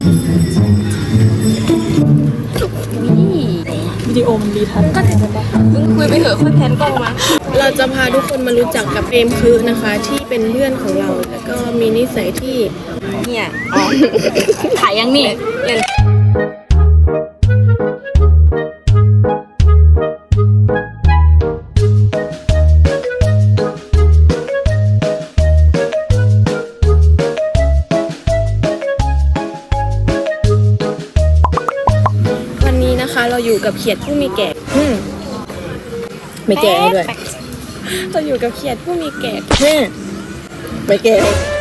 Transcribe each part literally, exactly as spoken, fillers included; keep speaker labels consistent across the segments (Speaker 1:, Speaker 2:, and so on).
Speaker 1: วิดีโอมันดีทันก็มึงคุยไปเถอะค่อยแพนกล้องมาเราจะพาทุกคนมารู้จักกับเฟรมคือนะคะที่เป็นเพื่อนของเราแล้วก็มีนิสัยที่เนี่ยอ๋อขายยังนี่เล่นเราอยู่กับเขียดผู้มีแก่ไม่แก่ด้วยเราอยู่กับเขียดผู้มีแก่ไม่แก่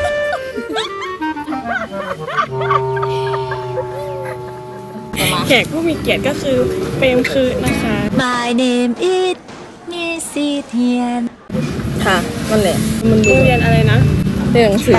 Speaker 1: แขกผู้มีเกียรติก็คือเปรมคือนะคะ
Speaker 2: My name is Nisitian
Speaker 1: ค่ะนั่นแหละมันโรงเรียนอะไรนะเรียนหนังสือ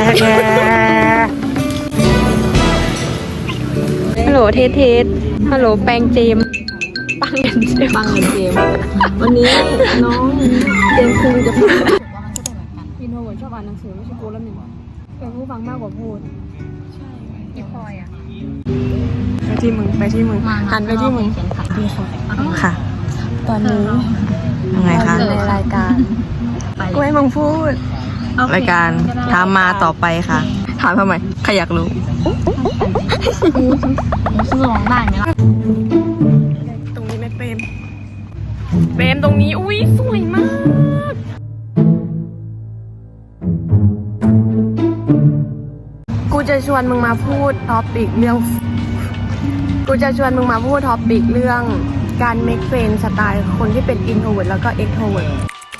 Speaker 1: ฮัลโหลเทสเทสฮัลโหลแปงเจมปังเงินเจมปังเงินเจมวันนี้น้องเจมคุงจะพูดอินโทรเวิร์ดชอบอ่านหนังสือไม่ใช่กูแล้วมึงเป็นผู้ฟังมากกว่าพูดใช่อีพลอยอ่ะไปที่มึงไปที่มึงหันไปที่มึงดีค่ะค่ะตอนนี้
Speaker 3: ยังไงคะ
Speaker 1: ในรายการกูให้มึงพูด
Speaker 3: รายการถามมาต่อไปค่ะถามทำไมใครอยากรู้
Speaker 2: สมองบ้านเนี่ย
Speaker 1: ตรงนี้ไหมเปรมเปรมตรงนี้อุ้ยสวยมากกูจะชวนมึงมาพูดท็อปิกเรื่องกูจะชวนมึงมาพูดท็อปิกเรื่องการเมคเฟรนด์สไตล์คนที่เป็นอินโทรเวิร์ตแล้วก็เอ็กโทรเวิร์ต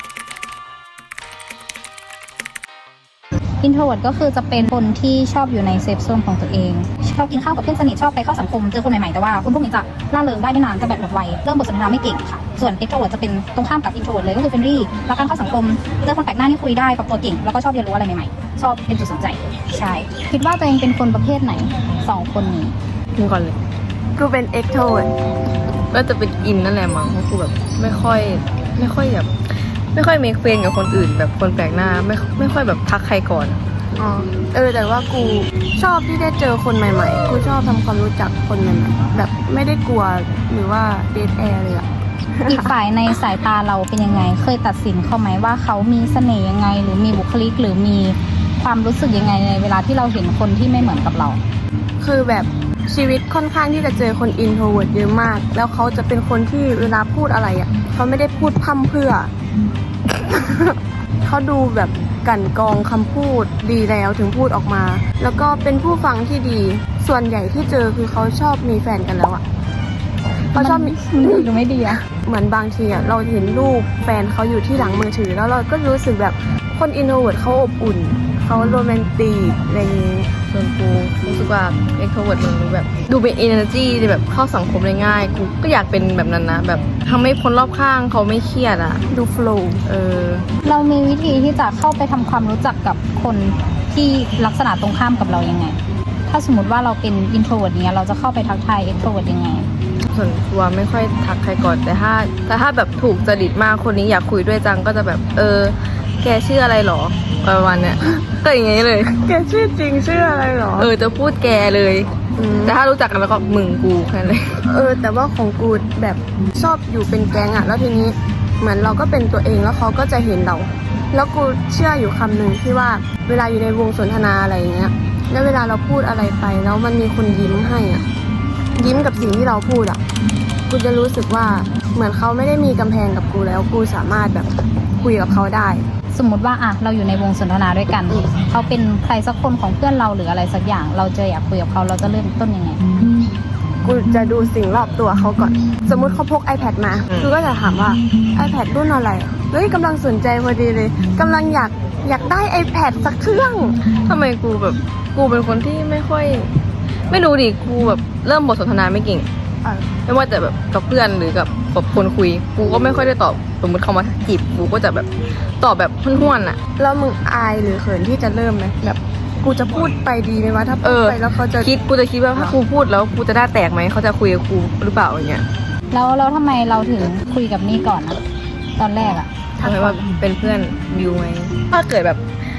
Speaker 2: อินโทรเวิร์ตก็คือจะเป็นคนที่ชอบอยู่ในเซฟโซนของตัวเองชอบกินข้าวกับเพื่อนสนิทชอบไปเข้าสังคมเจอคนใหม่ๆแต่ว่าคนพวกนี้จะล่าเริงได้ไม่นานจะแบบหมดไวเริ่มบทสนทนาไม่เก่งค่ะส่วนเอ็กโทรเวิร์ตจะเป็นตรงข้ามกับอินโทรเวิร์ตเลยก็คือเฟรนลี่รักการเข้าสังคมเจอคนแปลกหน้าที่คุยได้ปรับตัวเก่งแล้วก็ชอบเรียนรู้อะไรใหม่ๆชอบเป็นจุดสนใจใช่คิดว่าตัวเองเป็นคนประเภทไหนสองคนนี้
Speaker 1: ถึงก่อนเลยกูเป็นเอ็กโทรเวิร์ต
Speaker 3: ก็จะเป็นอินนั่นแหละมั้งเพราะกูแบบไม่ค่อยไม่ค่อยแบบไม่ค่อยเมคเฟรนด์กับคนอื่นแบบคนแปลกหน้าไม่ไม่ค่อยแบบทักใครก่อน
Speaker 1: อ๋อเออแต่ว่ากูชอบที่ได้เจอคนใหม่ๆกูชอบทำความรู้จักคนใหม่ๆแบบไม่ได้กลัวหรือว่าเดทแอร์เลยอะ
Speaker 2: อีกฝ่ายในสายตาเราเป็นยังไงเคยตัดสินเขาไหมว่าเขามีเสน่ห์ยังไงหรือมีบุคลิกหรือมีความรู้สึกยังไงในเวลาที่เราเห็นคนที่ไม่เหมือนกับเรา
Speaker 1: คือแบบชีวิตค่อนข้างที่จะเจอคนอินโทรเวิร์ตเยอะมากแล้วเขาจะเป็นคนที่เวลาพูดอะไรอ่ะเขาไม่ได้พูดพั่มเพื่อ เขาดูแบบกั่นกรองคำพูดดีแล้วถึงพูดออกมาแล้วก็เป็นผู้ฟังที่ดีส่วนใหญ่ที่เจอคือเขาชอบมีแฟนกันแล้วอ่ะเขาชอบมี
Speaker 2: หรือไม่ดีอ่ะ
Speaker 1: เหมือนบางทีอ่ะเราเห็นรูปแฟนเขาอยู่ที่หลังมือถือแล้วเราก็รู้สึกแบบคนอินโทรเวิร์ตเขาอบอุ่นเขาโรแมนติกอะไรอย่างนี้
Speaker 3: ส่วนกูรู้สึกว่าเอ็กโทรเวิร์ตมันดูแบบดูเป็น energy แบบเข้าสังคมได้ง่ายกูก็อยากเป็นแบบนั้นนะแบบทำให้คนรอบข้างเขาไม่เครียดอ่ะ
Speaker 1: ดูโฟล์
Speaker 3: เออ
Speaker 2: เรามีวิธีที่จะเข้าไปทำความรู้จักกับคนที่ลักษณะตรงข้ามกับเรายังไงถ้าสมมติว่าเราเป็นอินโทรเวิร์ตเนี้ยเราจะเข้าไปทักทายเอ็กโทรเวิร์ตยังไง
Speaker 3: ส่วนตัวไม่ค่อยทักใครก่อนแต่ถ้าแต่ถ้าแบบถูกจริตมากคนนี้อยากคุยด้วยจังก็จะแบบเออแกชื่ออะไรหรอประมาณเนี้ยก็อย่างงี้เลย
Speaker 1: แกชื่อจริงชื่ออะไรหรอ
Speaker 3: เออจะพูดแกเลยแต่ถ้ารู้จักกันแล้วก็มึงกูแค่นั้นเลย
Speaker 1: เออแต่ว่าของกูแบบชอบอยู่เป็นแก๊งอ่ะแล้วทีนี้เหมือนเราก็เป็นตัวเองแล้วเขาก็จะเห็นเราแล้วกูเชื่ออยู่คำหนึ่งที่ว่าเวลาอยู่ในวงสนทนาอะไรอย่างเงี้ยแล้วเวลาเราพูดอะไรไปแล้วมันมีคนยิ้มให้อ่ะยิ้มกับสิ่งที่เราพูดอ่ะกูจะรู้สึกว่าเหมือนเขาไม่ได้มีกำแพงกับกูแล้วกูสามารถแบบคุยกับเขาได้
Speaker 2: สมมุติว่าอ่ะเราอยู่ในวงสนทนาด้วยกันเขาเป็นใครสักคนของเพื่อนเราหรืออะไรสักอย่างเราจะอยากคุยกับเขาเราจะเริ่มต้นยังไง
Speaker 1: กูจะดูสิ่งรอบตัวเขาก่อนสมมุติเขาพก iPad มากูก็จะถามว่า iPad รุ่นอะไรเฮ้ยกำลังสนใจพอดีเลยกำลังอยากอยากได้ iPad สักเครื่อง
Speaker 3: ทำไมกูแบบกูเป็นคนที่ไม่ค่อยไม่รู้ดิกูแบบเริ่มบทสนทนาไม่เก่งไม่ว่าแต่แบบกับเพื่อนหรือกับกับคนคุยกูก็ไม่ค่อยได้ตอบสมมติเขามาจีบกูก็จะแบบตอบแบบห้วนๆอ่ะ
Speaker 1: แล้วมึงอายหรือเขินที่จะเริ่มไหมแบบกูจะพูดไปดีไหมวะถ้าพูดไปแล้วเขาจะ
Speaker 3: คิดกูจะคิดว่าถ้ากูพูดแล้วกูจะได้แตกไหมเขาจะคุยกับกูหรือเปล่าอย่างเงี้ย
Speaker 2: แล้วแล้วทำไมเราถึงคุยกับนี่ก่อนนะตอนแรกอ่ะ
Speaker 3: ทำไมว่าเป็นเพื่อนวิวไหมถ้าเกิดแบบ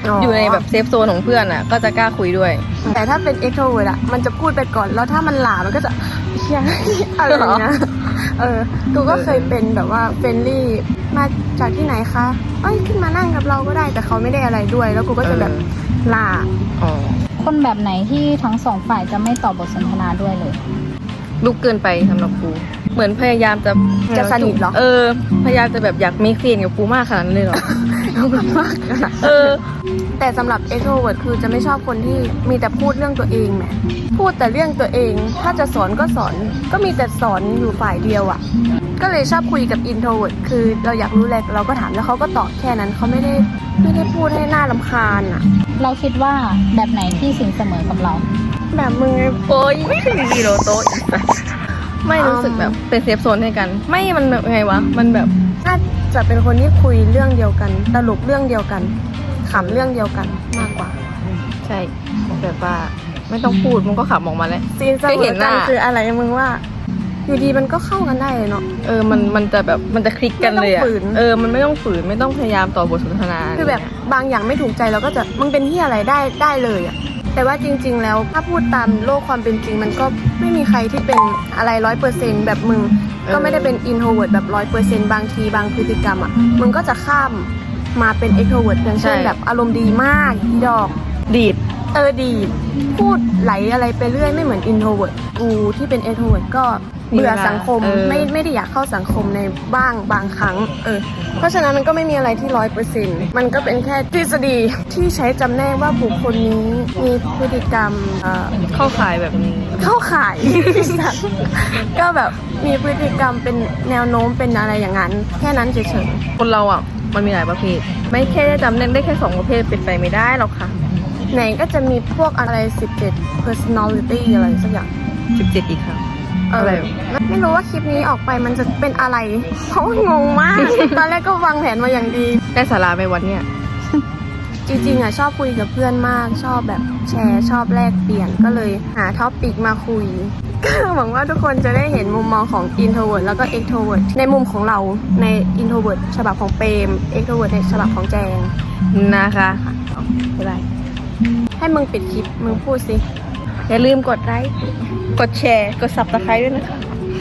Speaker 1: อ๋อ
Speaker 3: อ
Speaker 1: อ
Speaker 3: ยู่ในแบบเซฟโซนของเพื่อนอ่ะ ก็จะกล้าคุยด้วย
Speaker 1: แต่ถ้าเป็น extrovert อะมันจะพูดไปก่อน แล้วถ้ามันหลามันก็จะเฮียอะไรอย่างเงี้ยเออกูก็เคยเป็นแบบว่าเฟรนลี่มาจากที่ไหนคะเอ้ยขึ้นมานั่งกับเราก็ได้แต่เขาไม่ได้อะไรด้วย แล้วกูก็จะแบบหลา
Speaker 3: อ๋อ
Speaker 2: คนแบบไหนที่ทั้งสองฝ่ายจะไม่ตอบบทสนทนาด้วยเลย
Speaker 3: ลุกเกินไปสำหรับกู เหมือนพยายามจะ
Speaker 1: จะสนิทเหรอ
Speaker 3: เออ พยายามจะแบบอยากมีเซียนกับกูมากขนาดนั้นเลยเหรอ เออ
Speaker 1: แต่สำหรับ extrovert คือจะไม่ชอบคนที่มีแต่พูดเรื่องตัวเองแหมพูดแต่เรื่องตัวเอง ถ้าจะสอนก็สอน ก็มีแต่สอนอยู่ฝ่ายเดียวอะ่ะ ก็เลยชอบคุยกับ introvert คือเราอยากรู้อะไรเราก็ถามแล้วเขาก็ตอบแค่นั้นเขาไม่ได้ไม่ได้พูดให้หน้ารำคาญอะ่ะ
Speaker 2: เราคิดว่าแบบไหนที่สินเสมอกับเรา
Speaker 1: แบบมึงไง
Speaker 3: โอ้ยไม่ถึงกิโลโตะอีกสัสไม่รู้สึกแบบเป็นเซฟโซนให้กัน ไม่มันแบบไงวะ มันแบบ
Speaker 1: น่าจะเป็นคนที่คุยเรื่องเดียวกันตลกเรื่องเดียวกันขำเรื่องเดียวกันมากกว่า
Speaker 3: ใช่แบบว่าไม่ต้องพูดมันก็ขับออกมาแล้ว
Speaker 1: ซีนเสม
Speaker 3: แค่เห็
Speaker 1: อน
Speaker 3: ห
Speaker 1: กั
Speaker 3: น้า
Speaker 1: นคืออะไรมึงว่า อยู่ดีมันก็เข้ากันได้เลยเนาะ
Speaker 3: เออ มัน มันจะแบบ มันจะคลิกกันเลยอะ
Speaker 1: ไม่ต้องฝืน
Speaker 3: เออ มันไม่ต้องฝืน ไม่ต้องพยายามต่อบทสนทนา
Speaker 1: คือแบบบางอย่างไม่ถูกใจเราก็จะมึงเป็นที่อะไรได้ได้เลยอะแต่ว่าจริง ๆ แล้วถ้าพูดตามโลกความเป็นจริง มันก็ไม่มีใครที่เป็นอะไรร้อยเปอร์เซ็นต์แบบมึงก็ไม่ได้เป็นอินโทรเวิร์ดแบบร้อยเปอร์เซ็นต์บางทีบางพฤติกรรมอะมึงก็จะข้ามมาเป็นเอ็กโทรเวิร์ดอย่างเช่นแบบอารมณ์ดีมากอีดอก
Speaker 3: ดีด
Speaker 1: เออดีพูดไหลอะไรไปเรื่อยไม่เหมือนอินโทรเวิร์ดกูที่เป็นเอ็กโทรเวิร์ดก็เบื่อสังคม
Speaker 3: เออ
Speaker 1: ไม่ไม่ได้อยากเข้าสังคมในบ้างบางครั้งเออเพราะฉะนั้นมันก็ไม่มีอะไรที่ร้อยเปอร์เซ็นต์มันก็เป็นแค่ทฤษฎีที่ใช้จำแนกว่าบุคคลนี้มีพฤติกรรมเอ่อ
Speaker 3: เข้าขายแบบนี้
Speaker 1: เข้าข่าย ก็แบบมีพฤติกรรมเป็นแนวโน้มเป็นอะไรอย่างนั้น แค่นั้นเฉย
Speaker 3: คนเราอ่ะ มันมีหลายประเภท ไม่แค่ได้จำเล่นได้แค่สองประเภทเป็นไปไม่ได้หรอกค่ะ
Speaker 1: ๆไหนก็จะมีพวกอะไรสิบเจ็ด personality อะไรสักอย่าง
Speaker 3: สิบเจ็ดอีกค่ะ
Speaker 1: เอ
Speaker 3: อะไร
Speaker 1: อไม่รู้ว่าคลิปนี้ออกไปมันจะเป็นอะไร เพราะว่างงมาก ตอนแรกก็วางแผนมาอย่างดี
Speaker 3: ได้สาระไหมวันเนี้ย
Speaker 1: จริงๆอ่ะชอบคุยกับเพื่อนมาก ชอบแบบแชร์ชอบแลกเปลี่ยนก็เลยหาท็อปปิกมาคุย ก็หวังว่าทุกคนจะได้เห็นมุมมองของ introvert แล้วก็ extrovert ในมุมของเราใน introvert ฉบับของเปรม extrovert ในฉบับของแจง
Speaker 3: นะคะบ๊ายบาย
Speaker 1: ให้มึงปิดคลิปมึงพูดสิ
Speaker 3: อย่าลืมกดไลค์ กดแชร์ กด ซับสไครบ์ ด้วยนะคะ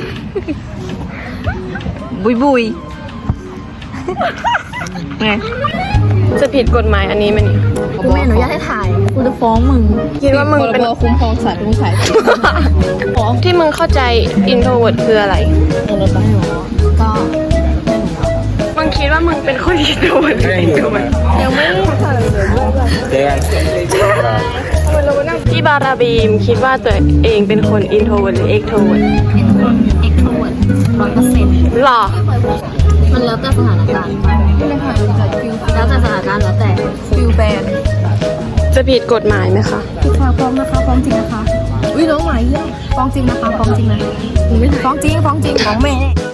Speaker 3: บุยบุยไง
Speaker 1: จะผิดกฎหมายอันนี้ไหมนี่กูไม่อนุญาตให้ถ่ายกูจะฟ้องมึงคิดว่ามึงเป็น
Speaker 3: คุ้มครองสัตว์ผู้ชาย
Speaker 1: ที่มึงเข้าใจ introvert คืออะไร
Speaker 2: ก็
Speaker 1: มึงคิดว่ามึงเป็นคน introvert หรือ extrovert ยังไม่ได้ถ่ายเลยพี่บาราบีมคิดว่าตัวเองเป็นคน introvert หรือ extrovert
Speaker 2: เป็นคนเอ็กโทรเวิร์ดร้อยเปอร์เซ็นต์
Speaker 1: หรอ
Speaker 2: มันแล้วแต่สถานการณ์แล้วแต่สถานการณ์แล้วแต่ฟิลแฟน
Speaker 1: จะผิดกฎหมายไหมคะ
Speaker 2: พี่ฟ้าฟ้องนะคะฟ้องจริงนะคะอุ้ยน้องหมายเยี่ยมฟ้องจริงนะคะฟ้องจริงนะฟ้องจริงฟ้องจริงฟ้องแม่